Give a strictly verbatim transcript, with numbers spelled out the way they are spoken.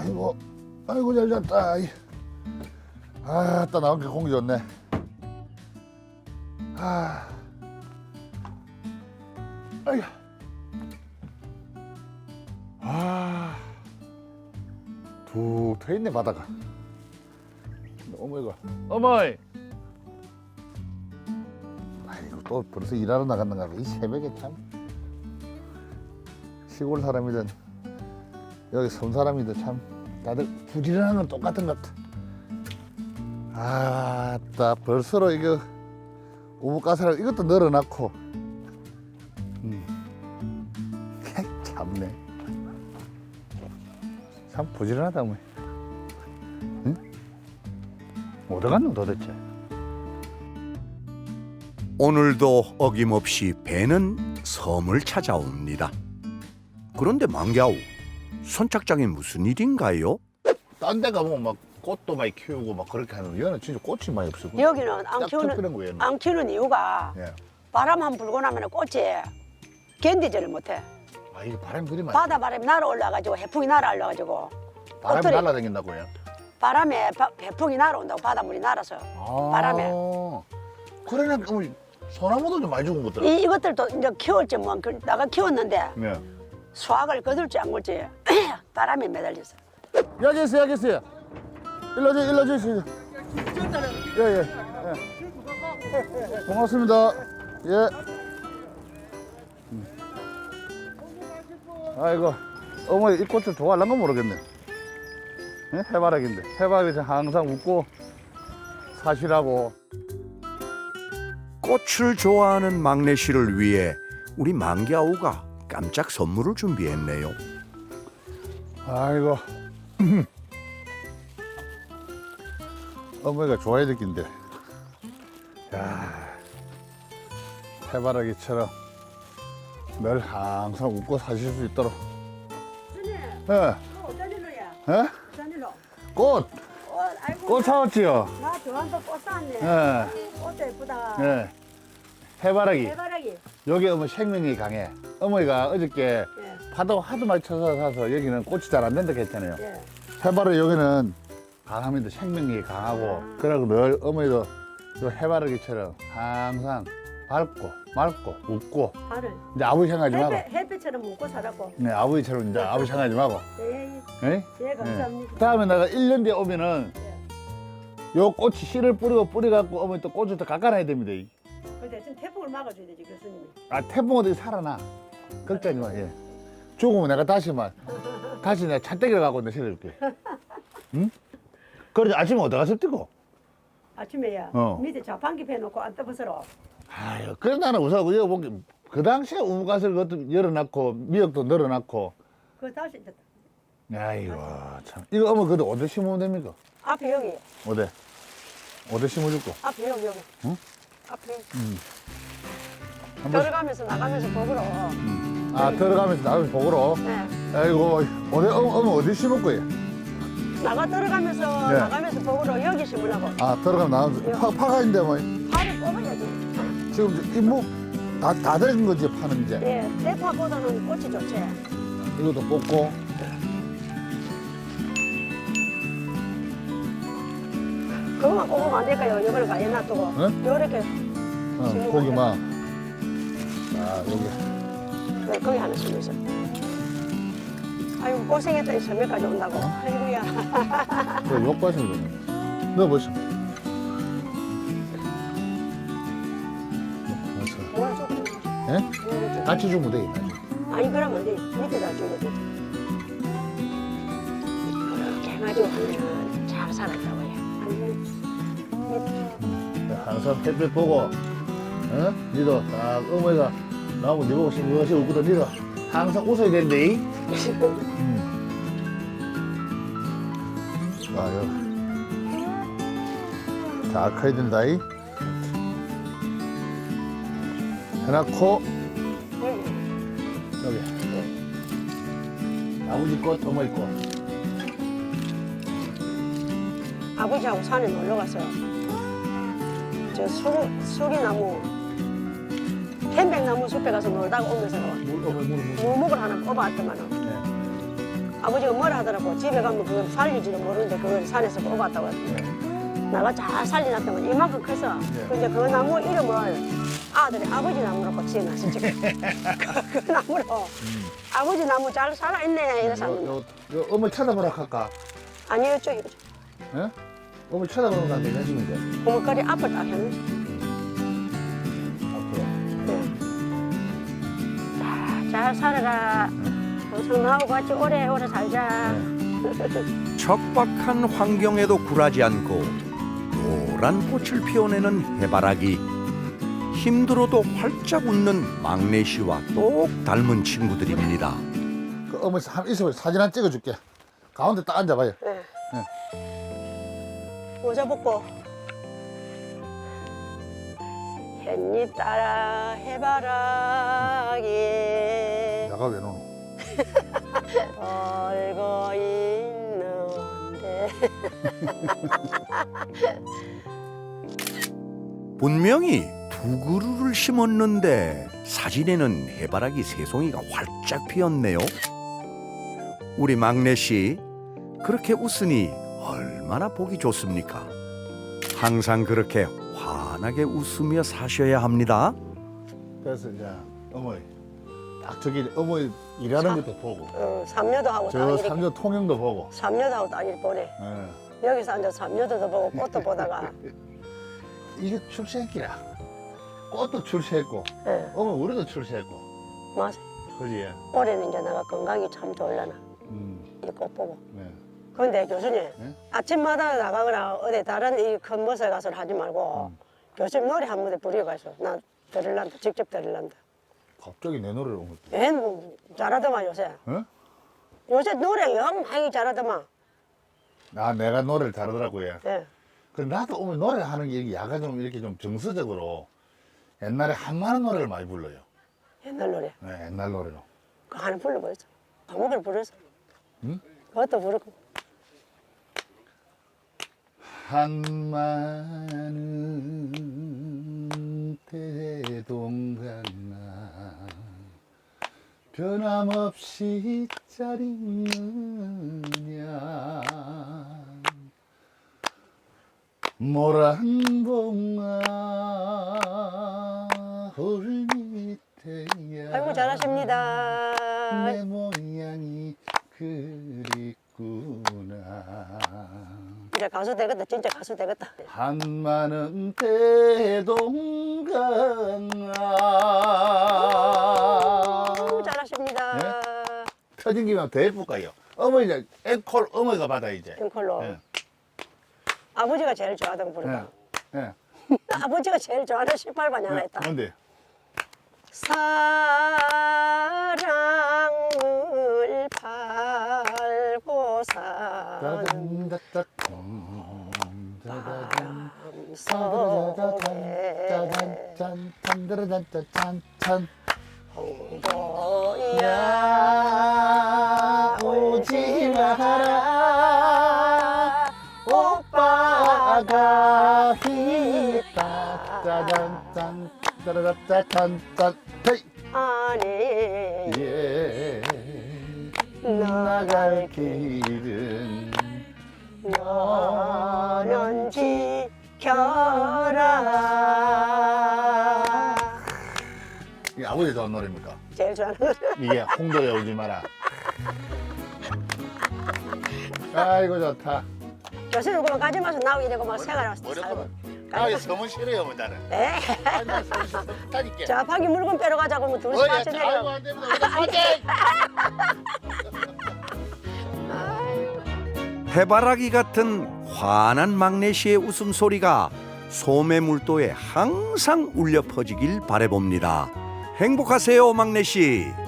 아이고, 아이고 잘 잤다. 아, 따 나온 게 공기 좋네. 아, 아이고, 아, 툭 트였네 바다가. 어머 이거, 어머이. 아이고 또 벌써 일하러 나갔는가 봐. 이 새벽에 참. 시골 사람이든 여기 섬 사람이든 참 다들 부지런한 건 똑같은 것 같아. 아따 벌써로 이거 우뭇가스를 이것도 널어놨고. 음. 참네. 참 부지런하다 뭐. 응? 어디 갔노 도대체? 오늘도 어김없이 배는 섬을 찾아옵니다. 그런데 망갸우, 선착장에 무슨 일인가요? 딴 데 가면 막 꽃도 많이 키우고 막 그렇게 하는데 얘는 진짜 꽃이 많이 없어. 여기는 안 키우는 거예요. 안 키우는 이유가 예. 바람 한 불고 나면 꽃이 견디지를 못해. 아 이게 바람이 그리 많이. 바다 바람이 날아올라가지고 해풍이 날아올라가지고 바람이 꽃들이 날아다닌다고요? 바람에 바, 해풍이 날아온다고 바닷물이 날아서 아, 바람에. 그러네. 그럼 소나무도 좀 많이 죽은 것들. 이, 이것들도 이제 키울지 뭐 그- 나가 키웠는데 네. 수확을 거둘지 안 걸지 바람에 매달렸어. 여기 있어요, 여기 있어요. 일로 오세요, 일로 오세요. 예, 예. 예. 고맙습니다. 예. 음. 아이고, 어머니 이 꽃을 좋아하려는 건 모르겠네. 예? 해바라기인데. 해바라기 항상 웃고 사시라고. 꽃을 좋아하는 막내 씨를 위해 우리 망갸우가 깜짝 선물을 준비했네요. 아이고. 어머니가 좋아야 될 낀데. 야, 해바라기처럼 늘 항상 웃고 사실 수 있도록. 예. 어떤 일로야? 예? 어떤 일로? 꽃! 어, 아이고. 꽃 사왔지요? 나 좋아한다 꽃 샀네. 예. 꽃도 예쁘다. 예. 해바라기. 해바라기. 여기 어머 생명력이 강해. 어머니가 어저께 예. 파도 하도 많이 쳐서 사서 여기는 꽃이 잘 안 된다고 했잖아요. 예. 해바라기 여기는 강하면도 생명력이 강하고, 그러고 늘 어머니도 요 해바라기처럼 항상 밝고 맑고 웃고. 하늘. 이제 아버지 생각하지 말고. 햇빛, 햇빛처럼 먹고 살았고. 네, 아버지처럼 이제 아버지 생각하지 말고. 예, 예? 예, 감사합니다. 다음에 내가 일 년 뒤에 오면은 예. 요 꽃이 씨를 뿌리고 뿌려갖고 어머니 또 꽃을 또 깎아놔야 됩니다. 근데 지금 태풍을 막아줘야 되지 교수님이. 아, 태풍 어디 살아나. 걱정하지 마. 예. 죽으면 내가 다시만 다시 내가 찻대기를 갖고 내가 실어줄게. 응? 그러지 아침에 어디 가서 뛰고? 아침에야 어. 밑에 자판기 패놓고 안 떠보서로. 아유, 그래 나는 우선 여기 보기 그 당시에 우뭇가스를 그것도 열어놨고 미역도 늘어놨고. 그 다시 이제 아이고 참. 이거 어머 그래도 어디 심으면 됩니까? 앞에 여기, 어디? 어디 심어줄까? 앞에 여기 여기. 응? 앞에 한번. 들어가면서 나가면서 보으러. 아 들어가면서 나가면서 보고로. 네. 아이고 어디 어머, 어머 어디 심을 거예요? 나가 들어가면서 네. 나가면서 보으러 여기 심으려고. 아 들어가면 나가면서 파 파가 있는데 뭐 파를 뽑아야지. 지금 이뭐다다 된 거지 파는 이제. 예, 대파보다는 꽃이 좋지. 이것도 뽑고. 그거만 뽑으면 안 될까요? 이걸 가에 놔두고. 응? 요렇게. 어, 심으면 고기만. 아 여기. 네, 거기 하나 심으셔. 아이고 고생했더니 섬에까지 온다고. 아이고야. 그 욕과심 좀. 넣어보시오. 뭘 줘? 예? 뭘 줘? 같이 주면 돼. 같이. 아니 그러면 안 돼. 밑에다 주면 돼. 이렇게 해가지고 하면 잘 살았다고 해. 항상 햇빛 보고, 어? 니도 딱 어머니가 나하고 니 보고 싱긋이 웃거든. 니도 항상 웃어야 되는데. 음. 아, 여기. 자, 커야 된다. 이. 해놓고, 여기. 아버지 꽃, 어머니 꽃. 아버지하고 산에 놀러 갔어요. 저 수리, 수리나무, 편백나무 숲에 가서 놀다가 오면서 물, 어머니 물, 물. 물목을 하나 뽑아왔더만은 네. 아버지가 뭐라 하더라고. 집에 가면 그걸 살리지도 모르는데 그걸 산에서 뽑았다고 했어. 네. 나가 잘 살려놨더만 이만큼 커서. 네. 근데 그 나무 이름을 아들이 아버지 나무라고 지어놨어 지금. 그, 그 나무로 아버지 나무 잘 살아있네 이래서 요, 요, 요 어머니 쳐다보라 할까? 아니 이쪽 이쪽. 예? 어머니 쳐다보는 거 안 되시면 돼. 고물거리 앞을 딱 했네. 앞으로. 네. 잘 살아라. 항상 나하고 같이 오래오래 살자. 척박한 환경에도 굴하지 않고 노란 꽃을 피워내는 해바라기. 힘들어도 활짝 웃는 막내 씨와 똑 닮은 친구들입니다. 그 어머니 한 있어봐 사진 한 찍어줄게. 가운데 딱 앉아봐요. 네. 모자 벗고 햇잎 따라 해바라기 내가 왜 노노? 벌고 있는데 분명히 두 그루를 심었는데 사진에는 해바라기 세 송이가 활짝 피었네요. 우리 막내 씨 그렇게 웃으니 얼마나 보기 좋습니까? 항상 그렇게 환하게 웃으며 사셔야 합니다. 그래서 이제 어머니 딱 저기 어머니 일하는 것도 보고 어, 삼녀도 하고 저 딱 이렇게 삼녀 통영도 보고. 삼녀도 하고 딱 이렇게 보네. 예. 여기서 앉아서 삼녀도 보고 꽃도 보다가 이게 출세했기라. 꽃도 출세했고 예, 어머니 우리도 출세했고. 맞아. 그지? 올해는 이제 내가 건강이 참 좋으려나 음. 이 꽃 보고. 네. 근데 교수님 네? 아침마다 나가거나 어디 다른 이 큰 곳에 가서 하지 말고 음. 교수님 노래 한 무대 부려가서 나 들으란다 직접 들으란다. 갑자기 내 노래를 온 것도. 얘는 잘하더만 요새. 어? 요새 노래 영 많이 잘하더만. 아 내가 노래를 잘하더라고요. 예. 그 나도 어머니 노래 하는 게 이게 약간 좀 이렇게 좀 정서적으로 옛날에 한마는 노래를 많이 불러요. 옛날 노래. 네, 옛날 노래로. 그 하나 불러보였어. 아무거나 불렀어. 응? 그것도 부르고. 한마는 대동강나 변함없이 짜리느냐 모란 봉아 홀 밑에야 아이고 잘하십니다. 내 모양이 그립구나 이제 가수 되겠다. 진짜 가수 되겠다. 한마는 대동강아 아이고 잘하십니다. 네? 터진 김에 더 해볼까요? 어머니 이제 앵콜 어머니가 받아 이제. 앵콜로. 예. 아버지가 제일 좋아하던 거 부르고. 예. 예. 아버지가 제일 좋아하는 십팔 반이 하나 있다. 뭔데? 사랑을 팔고 사는 짜잔 속에 짜잔 짜잔 짜잔 짠 홍보야 야 오지 마라 오빠가 있다 짜잔 짠 짜라짠 짠 헤이 아니 예 나갈 길은 너는 지켜라. 이게 아버지 좋아하는 노래입니까? 제일 좋아하는 노래. 이게 홍도에 오지 마라. 아이고 좋다. 교수님 그만 가지 마서 나오게 되고 막 생활하고 살고. 뭐랬거든? 아, 서문 싫어요, 뭐 나는. 에? 아니, 나 서문 싫어. 다니까. 자, 파기 물건 빼러 가자고 하면 둘이 어야, 같이 아이고 내려. 안 됩니다. 우리 파이팅! 해바라기 같은 환한 막내 씨의 웃음소리가 소매물도에 항상 울려 퍼지길 바라봅니다. 행복하세요, 막내 씨.